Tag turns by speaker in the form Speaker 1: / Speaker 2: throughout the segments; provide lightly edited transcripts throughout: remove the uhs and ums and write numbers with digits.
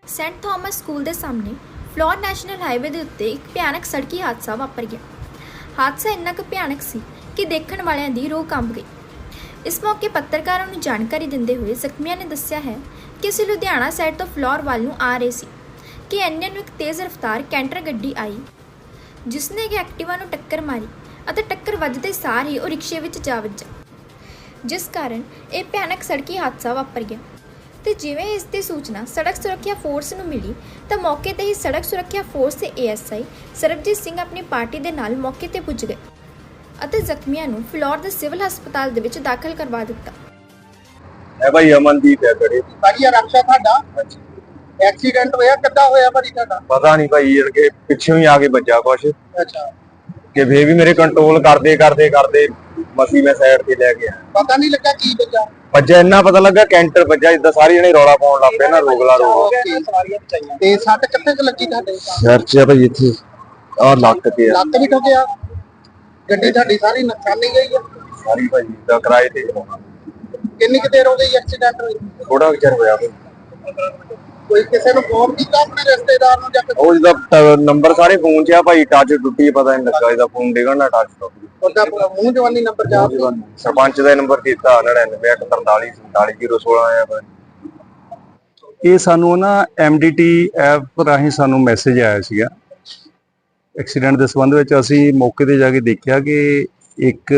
Speaker 1: Saint Thomas school ਦੇ ਸਾਹਮਣੇ floor national highway ਦੇ ਉੱਤੇ ਇੱਕ ਭਿਆਨਕ ਸੜਕੀ ਹਾਦਸਾ ਵਾਪਰ ਗਿਆ। ਹਾਦਸਾ ਇੰਨਾ ਕੁ ਭਿਆਨਕ ਸੀ ਕਿ ਦੇਖਣ ਵਾਲਿਆਂ ਦੀ ਰੂਹ ਕੰਬ ਗਈ। ਇਸ ਮੌਕੇ ਪੱਤਰਕਾਰਾਂ ਨੂੰ ਜਾਣਕਾਰੀ ਦਿੰਦੇ ਹੋਏ ਜ਼ਖਮੀਆਂ ਨੇ ਦੱਸਿਆ ਹੈ ਕਿ ਅਸੀਂ ਲੁਧਿਆਣਾ ਸਾਈਡ ਤੋਂ ਫਲੋਰ ਵੱਲ ਨੂੰ ਆ ਰਹੇ ਸੀ ਕਿ ਇੰਨੇ ਨੂੰ ਇੱਕ ਤੇਜ਼ ਰਫ਼ਤਾਰ ਕੈਂਟਰ ਗੱਡੀ ਆਈ, ਜਿਸ ਨੇ ਕਿ ਐਕਟਿਵਾ ਨੂੰ ਟੱਕਰ ਮਾਰੀ ਅਤੇ ਟੱਕਰ ਵੱਜਦੇ ਸਾਰ ਹੀ ਉਹ ਰਿਕਸ਼ੇ ਵਿੱਚ ਜਾ ਵੱਜਾ, ਜਿਸ ਕਾਰਨ ਇਹ ਭਿਆਨਕ ਸੜਕੀ ਹਾਦਸਾ ਵਾਪਰ ਗਿਆ। ਤੇ ਜਿਵੇਂ ਇਸ ਦੀ ਸੂਚਨਾ ਸੜਕ ਸੁਰੱਖਿਆ ਫੋਰਸ ਨੂੰ ਮਿਲੀ ਤਾਂ ਮੌਕੇ ਤੇ ਹੀ ਸੜਕ ਸੁਰੱਖਿਆ ਫੋਰਸ ਦੇ ਏਐਸਆਈ ਸਰਬਜੀਤ ਸਿੰਘ ਆਪਣੀ ਪਾਰਟੀ ਦੇ ਨਾਲ ਮੌਕੇ ਤੇ ਪੁੱਜ ਗਏ ਅਤੇ ਜ਼ਖਮੀਆਂ ਨੂੰ ਫਲੋਰ ਦੇ ਸਿਵਲ ਹਸਪਤਾਲ ਦੇ ਵਿੱਚ ਦਾਖਲ ਕਰਵਾ ਦਿੱਤਾ।
Speaker 2: है भाई अमनदीप है बड़े
Speaker 3: भाजी रक्षा ਤੁਹਾਡਾ एक्सीडेंट होया किद्दां होया भाजी ਤੁਹਾਡਾ
Speaker 2: पता नहीं भाई इनके पिछों ही आके बजा कुछ
Speaker 3: अच्छा
Speaker 2: कि वे भी मेरे कंट्रोल करते करते करते मसी मैं साइड ते ले गया।
Speaker 3: पता नहीं लगा की बजा
Speaker 2: बजा इन्ना पता लगा कैंटर बजा इदा सारे जने रौला पाउण लग पे ना रोगला रोग
Speaker 3: ਤੇ ਸੱਟ ਕਿੱਥੇ ਕੁ ਲੱਗੀ ਤੁਹਾਡੇ
Speaker 2: सिर च भाई इथे और लक ते
Speaker 3: ਲੱਤ ਵੀ ਠੋਕਿਆ ਗੱਡੀ ਤੁਹਾਡੀ ਸਾਰੀ ਨੁਕਸਾਨੀ ਗਈ ਆ
Speaker 2: सारी भाई दा किराए ते
Speaker 3: ਕਿੰਨੀ ਕੁ ਦੇਰ ਹੋ ਗਈ ਐਕਸੀਡੈਂਟ ਹੋਈ
Speaker 2: थोड़ा विचार होया
Speaker 3: ਕੋਈ ਕਿਸੇ ਨੂੰ ਫੋਨ ਕੀਤਾ ਆਪਣੇ ਰਿਸ਼ਤੇਦਾਰ ਨੂੰ ਜਾਂ
Speaker 2: ਉਹ ਜਿਹਦਾ ਨੰਬਰ ਸਾਰੇ ਫੋਨ 'ਚ ਆ ਭਾਈ ਟੱਚ ਟੁੱਟੀ ਪਤਾ ਨਹੀਂ ਲੱਗਾ ਇਹਦਾ ਫੋਨ ਡਿੱਗਣਾ ਟੱਚ ਟੁੱਟ ਗਿਆ।
Speaker 3: ਉਹਦਾ ਮੂੰਹ ਜਵਾਨੀ ਨੰਬਰ ਜਾ
Speaker 2: ਸਰਪੰਚ ਦਾ ਨੰਬਰ ਦਿੱਤਾ 99144016 ਆਇਆ ਭਾਈ।
Speaker 4: ਇਹ ਸਾਨੂੰ ਨਾ MDT ਐਪ ਰਾਹੀਂ ਸਾਨੂੰ ਮੈਸੇਜ ਆਇਆ ਸੀਗਾ ਐਕਸੀਡੈਂਟ ਦੇ ਸੰਬੰਧ ਵਿੱਚ। ਅਸੀਂ ਮੌਕੇ ਤੇ ਜਾ ਕੇ ਦੇਖਿਆ ਕਿ ਇੱਕ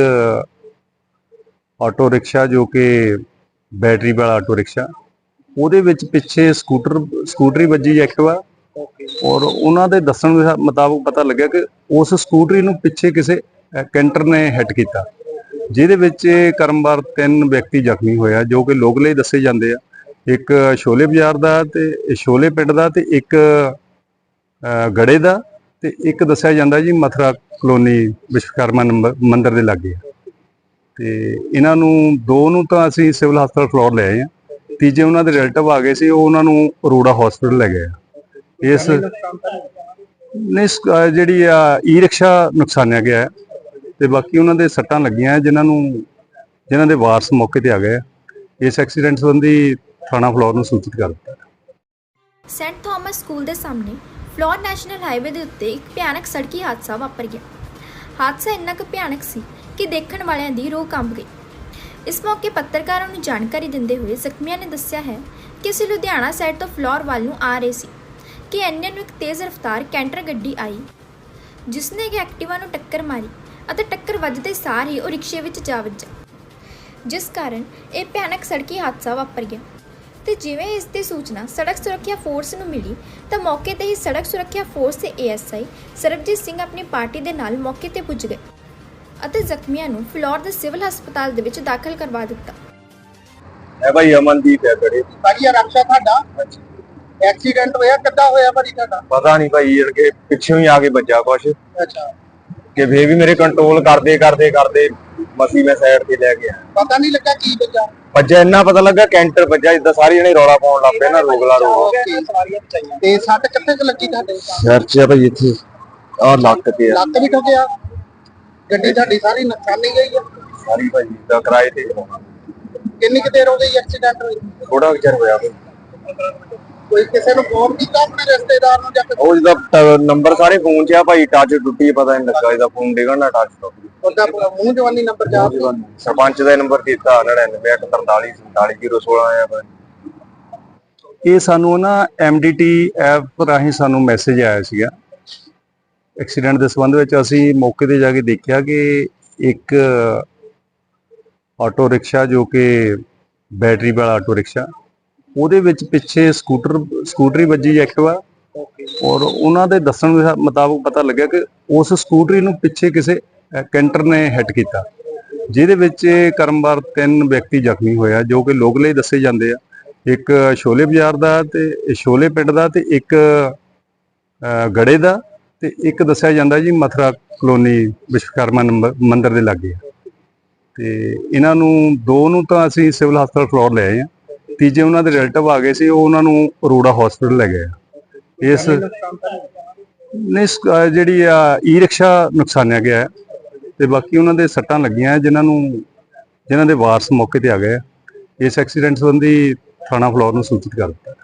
Speaker 4: ਆਟੋ ਰਿਕਸ਼ਾ ਜੋ ਕਿ ਬੈਟਰੀ ਵਾਲਾ ਆਟੋ ਰਿਕਸ਼ਾ, ਉਹਦੇ ਵਿੱਚ ਪਿੱਛੇ ਸਕੂਟਰੀ ਵੱਜੀ ਐਕਟਿਵਾ, ਔਰ ਉਹਨਾਂ ਦੇ ਦੱਸਣ ਦੇ ਮੁਤਾਬਕ ਪਤਾ ਲੱਗਿਆ ਕਿ ਉਸ ਸਕੂਟਰੀ ਨੂੰ ਪਿੱਛੇ ਕਿਸੇ ਕੈਂਟਰ ਨੇ ਹਿੱਟ ਕੀਤਾ, ਜਿਹਦੇ ਵਿੱਚ ਕਰਮਵਾਰ 3 ਵਿਅਕਤੀ ਜ਼ਖਮੀ ਹੋਇਆ ਜੋ ਕਿ ਲੋਕਲੇ ਦੱਸੇ ਜਾਂਦੇ ਆ। ਇੱਕ ਸ਼ੋਲੇ ਬਾਜ਼ਾਰ ਦਾ ਤੇ ਸ਼ੋਲੇ ਪਿੰਡ ਦਾ ਤੇ ਇੱਕ ਗੜੇ ਦਾ ਤੇ ਇੱਕ ਦੱਸਿਆ ਜਾਂਦਾ ਜੀ ਮਥੁਰਾ ਕਲੋਨੀ ਵਿਸ਼ਵਕਰਮਾ ਮੰਦਿਰ ਦੇ ਲਾਗੇ। ਤੇ ਇਹਨਾਂ ਨੂੰ 2 ਨੂੰ ਤਾਂ ਅਸੀਂ ਸਿਵਲ ਹਸਪਤਾਲ ਫਲੋਰ ਲੈ ਆਏ ਆ, ਤੀਜੇ ਉਹਨਾਂ ਦੇ ਰਿਲੇਟਿਵ ਆ ਗਏ ਸੀ, ਉਹ ਉਹਨਾਂ ਨੂੰ ਅਰੋੜਾ ਹਸਪੀਟਲ ਲੈ ਗਏ। ਇਸ ਨੇ ਜਿਹੜੀ ਈ ਰਿਕਸ਼ਾ ਨੁਕਸਾਨਿਆ ਗਿਆ ਹੈ ਤੇ ਬਾਕੀ ਉਹਨਾਂ ਦੇ ਸੱਟਾਂ ਲੱਗੀਆਂ ਜਿਨ੍ਹਾਂ ਦੇ ਵਾਰਸ ਮੌਕੇ ਤੇ ਆ ਗਏ। ਇਸ ਐਕਸੀਡੈਂਟ ਸੰਬੰਧੀ ਥਾਣਾ ਫਲੋਰ ਨੂੰ ਸੂਚਿਤ ਕਰ ਦਿੱਤਾ।
Speaker 1: ਸੈਂਟ ਥਾਮਸ ਸਕੂਲ ਦੇ ਸਾਹਮਣੇ ਫਲੋਰ ਨੈਸ਼ਨਲ ਹਾਈਵੇ ਦੇ ਉੱਤੇ ਇੱਕ ਭਿਆਨਕ ਸੜਕੀ ਹਾਦਸਾ ਵਾਪਰ ਗਿਆ। ਹਾਦਸਾ ਇੰਨਾ ਕੁ ਭਿਆਨਕ ਸੀ ਕਿ ਦੇਖਣ ਵਾਲਿਆਂ ਦੀ ਰੂਹ ਕੰਬ ਗਈ। ਇਸ ਮੌਕੇ ਪੱਤਰਕਾਰਾਂ ਨੂੰ ਜਾਣਕਾਰੀ ਦਿੰਦੇ ਹੋਏ ਜ਼ਖਮੀਆਂ ਨੇ ਦੱਸਿਆ ਹੈ ਕਿ ਅਸੀਂ ਲੁਧਿਆਣਾ ਸਾਈਡ ਤੋਂ ਫਲੋਰ ਵੱਲ ਨੂੰ ਆ ਰਹੇ ਸੀ ਕਿ ਇੰਨੇ ਨੂੰ ਇੱਕ ਤੇਜ਼ ਰਫ਼ਤਾਰ ਕੈਂਟਰ ਗੱਡੀ ਆਈ, ਜਿਸ ਨੇ ਕਿ ਐਕਟਿਵਾ ਨੂੰ ਟੱਕਰ ਮਾਰੀ ਅਤੇ ਟੱਕਰ ਵੱਜਦੇ ਸਾਰ ਹੀ ਉਹ ਰਿਕਸ਼ੇ ਵਿੱਚ ਜਾ ਵੱਜਾ, ਜਿਸ ਕਾਰਨ ਇਹ ਭਿਆਨਕ ਸੜਕੀ ਹਾਦਸਾ ਵਾਪਰ ਗਿਆ। ਤੇ ਜਿਵੇਂ ਇਸ ਦੀ ਸੂਚਨਾ ਸੜਕ ਸੁਰੱਖਿਆ ਫੋਰਸ ਨੂੰ ਮਿਲੀ ਤਾਂ ਮੌਕੇ ਤੇ ਹੀ ਸੜਕ ਸੁਰੱਖਿਆ ਫੋਰਸ ਦੇ ਏਐਸਆਈ ਸਰਬਜੀਤ ਸਿੰਘ ਆਪਣੀ ਪਾਰਟੀ ਦੇ ਨਾਲ ਮੌਕੇ ਤੇ ਪੁੱਜ ਗਏ ਅਤੇ ਜ਼ਖਮੀਆਂ ਨੂੰ ਫਲੋਰ ਦੇ ਸਿਵਲ ਹਸਪਤਾਲ ਦੇ ਵਿੱਚ ਦਾਖਲ ਕਰਵਾ ਦਿੱਤਾ।
Speaker 2: ਹੈ ਭਾਈ ਅਮਨਦੀਪ ਹੈ ਬੜੇ
Speaker 3: ਭਾਜੀ ਰक्षा ਤੁਹਾਡਾ एक्सीडेंट होया किद्दां होया भाजी ਤੁਹਾਡਾ
Speaker 2: पता नहीं भाई इनके पिछों ही आके बजा कुछ
Speaker 3: अच्छा
Speaker 2: कि वे भी मेरे कंट्रोल करते करते करते मसी मैं साइड ते ले गया।
Speaker 3: पता नहीं लगा की बजा
Speaker 2: बजा इन्ना पता लगा कैंटर बजा इदा सारे जने रौला पाउण लग पे ना रोगला रोग
Speaker 3: ਤੇ ਸੱਟ ਕਿੱਥੇ ਕੁ ਲੱਗੀ ਤੁਹਾਡੇ
Speaker 2: सिर च भाई इथे और लक ते
Speaker 3: ਲੱਤ ਵੀ ਠੋਕਿਆ ਗੱਡੀ ਤੁਹਾਡੀ ਸਾਰੀ ਨੁਕਸਾਨੀ ਗਈ ਆ
Speaker 2: सारी भाई दा किराए ते
Speaker 3: ਕਿੰਨੀ ਕੁ ਦੇਰ ਹੋ ਗਈ ਐਕਸੀਡੈਂਟ ਹੋਈ
Speaker 2: थोड़ा विचार होया
Speaker 3: ਕੋਈ ਕਿਸੇ ਨੂੰ ਫੋਨ ਕੀਤਾ ਆਪਣੇ ਰਿਸ਼ਤੇਦਾਰ ਨੂੰ ਜਾਂ
Speaker 2: ਉਹ ਜਿਹਦਾ ਨੰਬਰ ਸਾਰੇ ਫੋਨ 'ਚ ਆ ਭਾਈ ਟੱਚ ਟੁੱਟੀ ਪਤਾ ਨਹੀਂ ਲੱਗਾ ਇਹਦਾ ਫੋਨ ਡਿੱਗਣਾ ਟੱਚ ਟੁੱਟ ਗਿਆ।
Speaker 3: ਉਹਦਾ ਮੂੰਹ ਜਵਾਨੀ ਨੰਬਰ ਜਾ
Speaker 2: ਸਰਪੰਚ ਦਾ ਨੰਬਰ ਦਿੱਤਾ 99144016 ਆਇਆ ਭਾਈ।
Speaker 4: ਇਹ ਸਾਨੂੰ ਨਾ MDT ਐਪ ਰਾਹੀਂ ਸਾਨੂੰ ਮੈਸੇਜ ਆਇਆ ਸੀਗਾ ਐਕਸੀਡੈਂਟ ਦੇ ਸੰਬੰਧ ਵਿੱਚ। ਅਸੀਂ ਮੌਕੇ ਤੇ ਜਾ ਕੇ ਦੇਖਿਆ ਕਿ ਇੱਕ ਆਟੋ ਰਿਕਸ਼ਾ ਜੋ ਕਿ ਬੈਟਰੀ ਵਾਲਾ ਆਟੋ ਰਿਕਸ਼ਾ, ਉਹਦੇ ਵਿੱਚ ਪਿੱਛੇ ਸਕੂਟਰੀ ਵੱਜੀ ਐਕਟਿਵਾ, ਔਰ ਉਹਨਾਂ ਦੇ ਦੱਸਣ ਦੇ ਮੁਤਾਬਕ ਪਤਾ ਲੱਗਿਆ ਕਿ ਉਸ ਸਕੂਟਰੀ ਨੂੰ ਪਿੱਛੇ ਕਿਸੇ ਕੈਂਟਰ ਨੇ ਹਿੱਟ ਕੀਤਾ, ਜਿਹਦੇ ਵਿੱਚ ਕਰਮਵਾਰ 3 ਵਿਅਕਤੀ ਜ਼ਖਮੀ ਹੋਇਆ ਜੋ ਕਿ ਲੋਕਲੇ ਦੱਸੇ ਜਾਂਦੇ ਆ। ਇੱਕ ਸ਼ੋਲੇ ਬਾਜ਼ਾਰ ਦਾ ਤੇ ਸ਼ੋਲੇ ਪਿੰਡ ਦਾ ਤੇ ਇੱਕ ਗੜੇ ਦਾ ਤੇ ਇੱਕ ਦੱਸਿਆ ਜਾਂਦਾ ਜੀ ਮਥੁਰਾ ਕਲੋਨੀ ਵਿਸ਼ਵਕਰਮਾ ਮੰਦਿਰ ਦੇ ਲਾਗੇ। ਤੇ ਇਹਨਾਂ ਨੂੰ 2 ਨੂੰ ਤਾਂ ਅਸੀਂ ਸਿਵਲ ਹਸਪਤਾਲ ਫਲੋਰ ਲੈ ਆਏ ਆ, ਤੀਜੇ ਉਹਨਾਂ ਦੇ ਰਿਲੇਟਿਵ ਆ ਗਏ ਸੀ, ਉਹ ਉਹਨਾਂ ਨੂੰ ਅਰੋੜਾ ਹਸਪੀਟਲ ਲੈ ਗਏ। ਇਸ ਨੇ ਜਿਹੜੀ ਈ ਰਿਕਸ਼ਾ ਨੁਕਸਾਨਿਆ ਗਿਆ ਹੈ ਤੇ ਬਾਕੀ ਉਹਨਾਂ ਦੇ ਸੱਟਾਂ ਲੱਗੀਆਂ ਜਿਨ੍ਹਾਂ ਦੇ ਵਾਰਸ ਮੌਕੇ ਤੇ ਆ ਗਏ। ਇਸ ਐਕਸੀਡੈਂਟ ਸੰਬੰਧੀ ਥਾਣਾ ਫਲੋਰ ਨੂੰ ਸੂਚਿਤ ਕਰ ਦਿੱਤਾ।